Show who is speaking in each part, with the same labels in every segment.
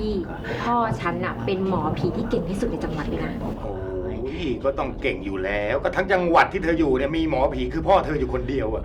Speaker 1: พี่พ่อฉันอะเป็นหมอผีที่เก่งที่สุดในจังหวัดเลยนะ
Speaker 2: โอ้ยก็ต้องเก่งอยู่แล้ว ก็ทั้งจังหวัดที่เธออยู่เนี่ยมีหมอผีคือพ่อเธออยู่คนเดียวอะ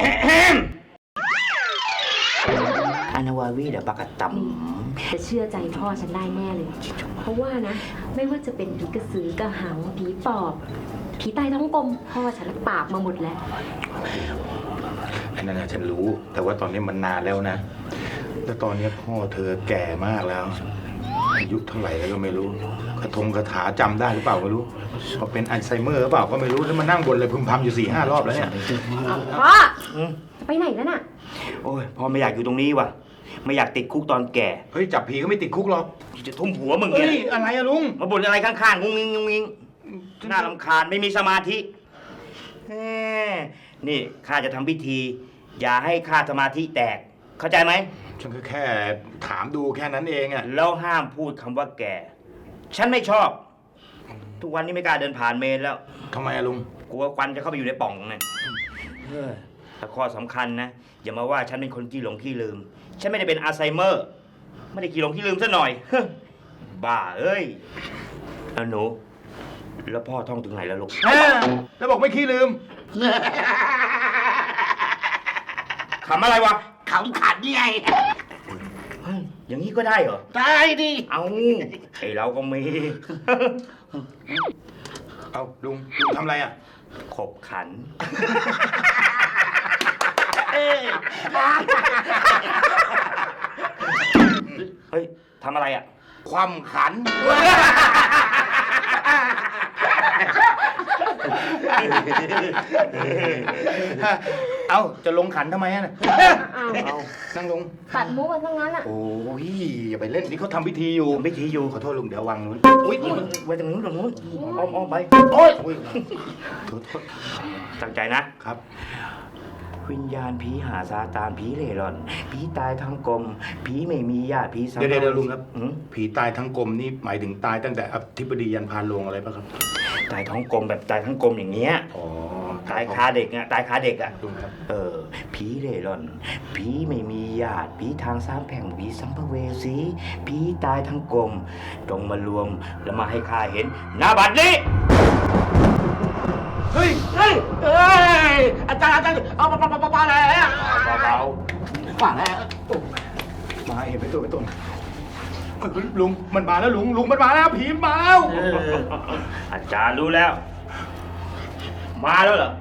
Speaker 3: อานาวาวีเดบักตัม
Speaker 1: แต่เชื่อใจพ่อฉันได้แน่เลย เพราะว่านะ ไม่ว่าจะเป็นผีกระสือกระหังผีปอบผีใต้ท้องกลมพ่อฉันปราบมาหมดแล้ว
Speaker 2: อันนั้นนะฉันรู้ แต่ว่าตอนนี้มันนานแล้วนะ แล้วตอนนี้พ่อเธอแก่มากแล้ว อายุเท่าไหร่แล้วก็ไม่รู้คาถาจำได้หรือเปล่าไม่รู้พอเป็นอัลไซเมอร์หรือเปล่าก็ไม่รู้แล้วมานั่งบนเลยพึมพำอยู่4-5 รอบแล้วเนี่ย
Speaker 1: พ่อจะไปไหนแล้วน่ะ
Speaker 3: โอ้ยพ่อไม่อยากอยู่ตรงนี้ว่ะ ไม่อยากติดคุกตอนแก่
Speaker 2: เฮ้ยจับผีก็ไม่ติดคุกหรอก
Speaker 3: จะทุ่มหัวมึง
Speaker 2: เฮ้
Speaker 3: เนี่ย ย
Speaker 2: อะไรอะลุง
Speaker 3: มาบ่นอะไรข้างๆงุ้งงิ้งงุ้งงิ้งน่ารำคาญไม่มีสมาธิแหมนี่ข้าจะทำพิธี อย่าให้ข้าสมาธิแตก เข้าใจไหม
Speaker 2: ฉันก็แค่ถามดูแค่นั้นเองอะ
Speaker 3: แล้วห้ามพูดคำว่าแก่ ฉันไม่ชอบ ทุกวันนี้ไม่กล้าเดินผ่านเมนแล้ว
Speaker 2: ทำไมอะลุง
Speaker 3: กลัวควันจะเข้าไปอยู่ในป่องเนี่ยแต่ข้อสำคัญนะ อย่ามาว่าฉันเป็นคนขี้หลงขี้ลืม ฉันไม่ได้เป็นอัลไซเมอร์ ไม่ได้ขี้หลงขี้ลืมซะหน่อย บ้าเอ้ยแล้วหนู แล้วพ่อท่องถึงไหนแล้วลูก
Speaker 2: แล้วบอกไม่ขี้ลืม
Speaker 3: ขำอะไรวะ
Speaker 4: ขำขันไง
Speaker 3: เฮ้ยอย่างนี้ก็ได้เหรอ
Speaker 4: ได้ดิ
Speaker 3: เอาไอเราก็มี
Speaker 2: เอาลุงทำอะไรอะ
Speaker 3: ขบขัน เฮ้ยทำอะไรอ่ะ
Speaker 2: ความขัน เอาจะลงขันทำไมอะ
Speaker 1: อ้าว
Speaker 2: เอานั่งลง
Speaker 1: ตัดมุกกันทั้งนั้นอะ
Speaker 2: โอ้ยอย่าไปเล่นที่เขาทำพิธีอยู่
Speaker 3: ทำพิธีอยู่
Speaker 2: ขอโทษลุงเดี๋ยววางนู้น
Speaker 3: อุ้ยไว้ตรงนู้นตรงนู้นอ้อมไป
Speaker 2: โอ้ยขอโทษ
Speaker 3: ตั้งใจนะ
Speaker 2: ครับ
Speaker 3: วิญญาณผีหาซาตานผีเร่ร่อน ผีตายทั้งกลม ผีไม่มีญาติผีสั
Speaker 2: เดี๋ยวลุงครับ
Speaker 3: หืม
Speaker 2: ผีตายทั้งกลมนี่หมายถึงตายตั้งแต่อธิบดียันพานโรงอะไรป่ะครับ
Speaker 3: ตายท้องกลมแบบตายทั้งกลมอย่างเงี้ย
Speaker 2: อ๋อ
Speaker 3: ตายคาเด็กอ่ะ ตายคาเด็กอ่ะ
Speaker 2: ลุงครับ
Speaker 3: ผีเร่ร่อน ผีไม่มีญาติ ผีทางสามแผงผีสัมภเวสี ผีตายทั้งกลมจงมารวมแล้วมาให้ข้าเห็นหน้าบัดนี้
Speaker 2: เฮ้ย
Speaker 4: เฮ้ยอาจารย์เอามาแล้ว
Speaker 3: เบา
Speaker 4: มาแล้ว
Speaker 2: มาเห็นไปตัวลุงมันมาแล้วลุงมันมาแล้วผีมันมาแล้ว
Speaker 3: ๆอาจารย์รู้แล้ว มาแล้วเหรอ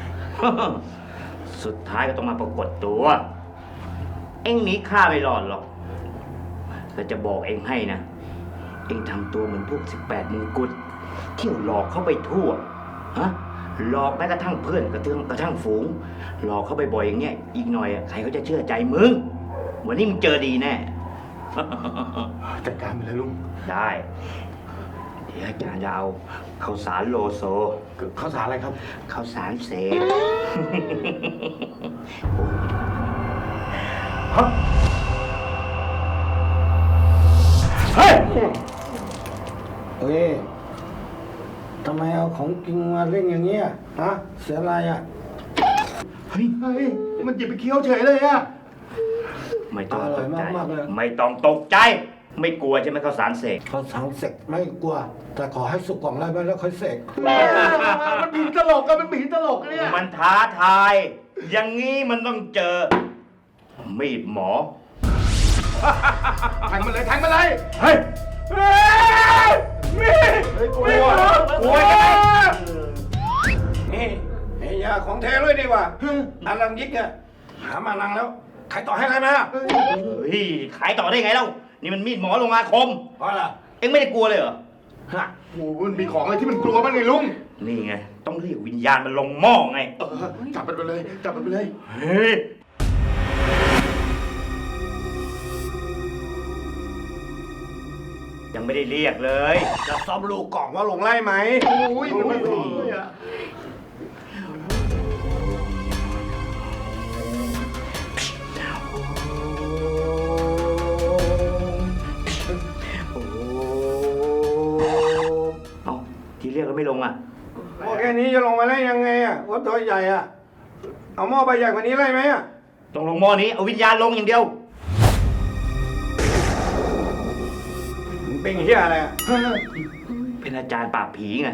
Speaker 3: สุดท้ายก็ต้องมาปรากฏตัว เอ็งหนีข้าไม่รอดหรอกแล้วจะบอกเอ็งให้นะ เอ็งทำตัวเหมือนพวก18มงกุฎเที่ยวหลอกเข้าไปทั่ว ฮะ หลอกแม้กระทั่งเพื่อนกระทั่งฝูง หลอกเข้าไปบ่อยอย่างเงี้ย อีกหน่อยใครเขาจะเชื่อใจมึง วันนี้มึงเจอดีแน่
Speaker 2: จัดการไปเลยลุง
Speaker 3: ได้ เดี๋ยวอาจารย์จะเอาข้าวสารโลโซ
Speaker 2: ข้าวสารอะไรครับ
Speaker 3: ข้าวสารเสก
Speaker 2: เฮ้ย
Speaker 5: เฮ้ย ทำไมเอาของจริงมาเล่นอย่างเงี้ย ฮะ เสียอะไรอ่ะ
Speaker 2: เฮ้ยมันหยิบไปเคี้ยวเฉยเลยอะ
Speaker 3: ไม่ต้องตกใจ
Speaker 5: อร่อยมากๆเลย
Speaker 3: ไม่ต้องตกใจ ไม่กลัวใช่ไหมข้าวสารเสก
Speaker 5: เขาสั่งเสกไม่กลัว แต่ขอให้สุกก่อนได้ไหมแล้วค่อยเสก
Speaker 2: มันผีตลกอะมันผีตลกเนี่ย
Speaker 3: มันท้าทาย อย่างนี้มันต้องเจอ มีดหมอ
Speaker 2: แทงมันเลย
Speaker 3: เฮ้ย
Speaker 2: มีกลัว
Speaker 3: กลัวยังไง
Speaker 5: นี่ไอ้ยาของแท้เลยดีกว่าอันลังยิกเนี่ยหามานังแล้ว ใครต่อให้ใครมา
Speaker 3: เฮ้ย ขายต่อได้ไงเล่า นี่มันมีดหมอลงอาคม
Speaker 5: เพราะอะไร
Speaker 3: เอ็งไม่ได้กลัวเลยเหรอ
Speaker 5: ฮะ
Speaker 2: โอ้โหมันมีของอะไรที่มันกลัวบ้างไงลุง
Speaker 3: นี่ไง ต้องเรียกวิญญาณมันลงหม้อไง
Speaker 2: จับมันไปเลย
Speaker 3: เฮ้ย ยังไม่ได้เรียกเลย
Speaker 5: จะซ่อมลูกกล่องว่าลงไล่ไหม
Speaker 2: โอ้ยมันไม่ผีเลยอะ
Speaker 3: เอาที่เรียกแล้วไม่ลงอ่ะ
Speaker 5: โอ้แค่นี้จะลงมาได้ยังไงอ่ะวัดตัวใหญ่อ่ะ เอาหม้อใบใหญ่กว่านี้ไล่ไหมอ่ะ
Speaker 3: ต้องลงหม้อนี้ เอาวิญญาณลงอย่างเดียว
Speaker 5: เป็นเหี้ยอะไรอ่ะ
Speaker 3: เป็นอาจารย์ปราบผีไง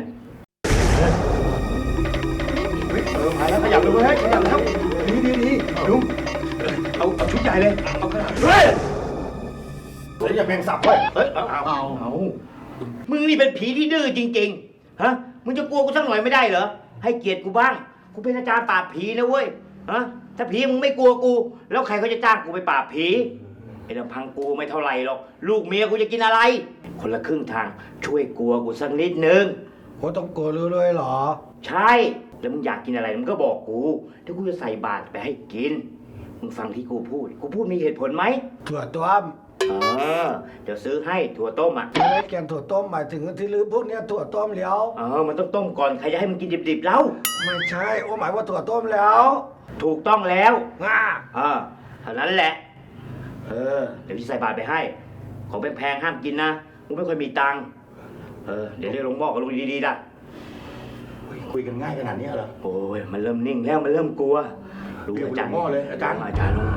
Speaker 5: มาแล้วขยับเลยเว้ยขยับแล้วดีลุงเอาชุดใหญ่เลยเอาขนาดเฮ้ยแล้วอย่าแมงสับเว้ยเฮ้ยเอา
Speaker 3: มึงนี่เป็นผีที่ดื้อจริงๆ ฮะ มึงจะกลัวกูสักหน่อยไม่ได้เหรอ ให้เกียรติกูบ้าง กูเป็นอาจารย์ปราบผีนะเว้ย ฮะ ถ้าผีมึงไม่กลัวกู แล้วใครเขาจะจ้างกูไปปราบผี ไอ้ลำพังกูไม่เท่าไหร่หรอก ลูกเมียกูจะกินอะไร คนละครึ่งทาง ช่วยกลัวกูสักนิดนึง
Speaker 5: โหต้องกลัวรู้ด้วยเหรอ
Speaker 3: ใช่ แล้วมึงอยากกินอะไรมึงก็บอกกูเดี๋ยวกูจะใส่บาตรไปให้กิน มึงฟังที่กูพูดมีเหตุผลไหม
Speaker 5: ถั่วต้ม
Speaker 3: เดี๋ยวซื้อให้ถั่วต้มอ่ะ
Speaker 5: ไม่ได้แกงถั่วต้มหมายถึงที่ลือพวกเนี้ยถั่วต้มแล้ว
Speaker 3: มันต้องต้มก่อน ใครจะให้มึงกินดิบๆแล้ว
Speaker 5: ไม่ใช่โอ้หมายว่าถั่วต้มแล้ว
Speaker 3: ถูกต้องแล้ว
Speaker 5: ง่า
Speaker 3: เท่านั้นแหละ เดี๋ยวพี่ใส่บาตรไปให้ ของแพงๆห้ามกินนะกูไม่ค่อยมีตังค์เดี๋ยวเรียกหลวงพ่อกับลุงดีๆนะ
Speaker 2: คุยกันง่ายขนาดนี้เหรอ
Speaker 3: โอ้ย มันเริ่มนิ่งแล้ว มันเริ่มกลัวรู้
Speaker 2: เรียก
Speaker 3: อาจารย์
Speaker 2: หลวงพ่อเลยอาจารย์
Speaker 3: อาจารย์ลง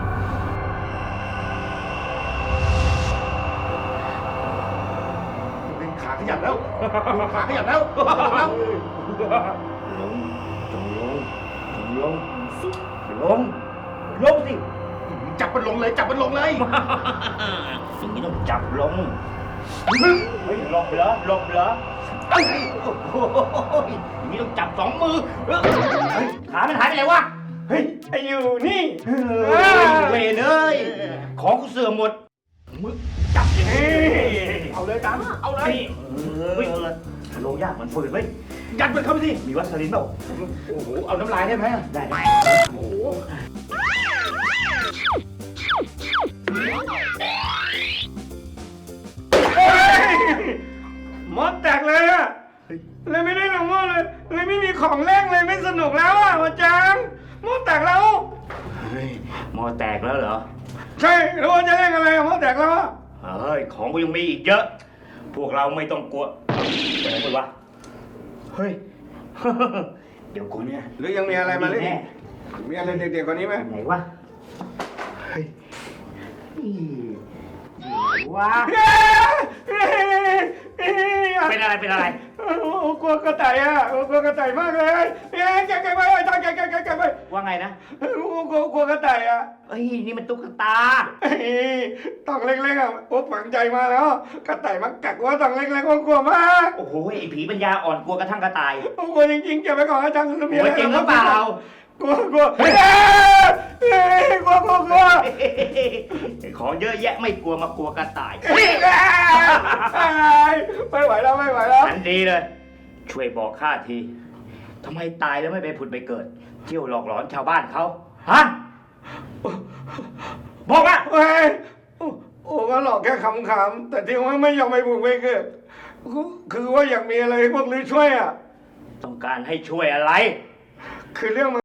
Speaker 2: ขาขยับแล้วขาขยับแล้ว
Speaker 3: ลงจงลงจงลงลงลงสิ
Speaker 2: จับมันลงเลยจับมันลงเลย
Speaker 3: อย่างนี้ต้องจับลงเฮ้ยหลบเหรอหลบเหรอเอ้ยโอ้โหอย่างนี้ต้องจับสองมือเฮ้ยขามันหายไปไหนวะ
Speaker 4: เฮ้ยไอ้อยู่นี่
Speaker 3: เวรเลยของกูเสื่อมหมดมึงจับอย่างนี้
Speaker 2: เอาเลยอาจารย์เอาเลย
Speaker 3: เฮ้ยโลยากมันฝืนไว้ย
Speaker 2: ยัดมันเข้าไปสิ
Speaker 3: มีวัสลินเปล่า
Speaker 2: โอ้โหเอาน้ำลายได้ไหม
Speaker 3: ได้
Speaker 2: โอ้โห
Speaker 4: หมดแตกเลยอะเลยไม่ได้หลวงพ่อเลยไม่มีของเล่นเลยไม่สนุกแล้วอะอาจารย์หมดแตกแล้ว
Speaker 3: เฮ้ยหมอแตกแล้วเหรอ
Speaker 4: ใช่แล้วว่าจะเล่นอะไรอะหมดแตกแล้วอะ
Speaker 3: เฮ้ย ของกูยังมีอีกเยอะ พวกเราไม่ต้องกลัวอะไรพูดวะ เฮ้ย เดี๋ยวกูเนี่ย
Speaker 5: หรือยังมีอะไรมาเล่น
Speaker 3: แน่
Speaker 5: มีอะไรเด็กๆกว่านี้ไหม
Speaker 3: ไหนวะ เฮ้ยนี่ไหนวะ เป็นอะไร เป็นอะไร
Speaker 4: กลัวกระต่ายอะกลัวกระต่ายมากเลยแกไปอาจารย์แกไป
Speaker 3: ว่าไงนะ
Speaker 4: กลัวกระต่ายอะ
Speaker 3: เฮ้ย นี่มันตุ๊กตา
Speaker 4: ตองเล็กๆอะโอ้ฝังใจมาแล้ว กระต่ายมากัดว่าตองเล็กๆกลัวมาก
Speaker 3: โอ้โห ไอ้ผีปัญญาอ่อนกลัวกระทั่งกระต่าย
Speaker 4: กลัวจริงๆเก็บไว้ก่อนอาจารย์มี
Speaker 3: โอ้
Speaker 4: อะไร
Speaker 3: ยจริงหรือเปล่า
Speaker 4: กลัวกลัวกลัว
Speaker 3: ของเยอะแยะไม่กลัวมากลัวกระต่าย
Speaker 4: ไม่ไหวแล้วไม่ไหวแล้ว
Speaker 3: อันดีเลย ช่วยบอกข้าที ทำไมตายแล้วไม่ไปผุดไปเกิด เที่ยวหลอกหลอนชาวบ้านเขาฮะ บอกมา
Speaker 4: เฮ้ยโอ้ก็หลอกแค่ขำๆแต่ที่ว่าไม่ยอมไปบุกไปเกิดคือว่าอยากมีอะไรให้พวกลือช่วยอ่ะ
Speaker 3: ต้องการให้ช่วยอะไร
Speaker 4: คือเรื่อง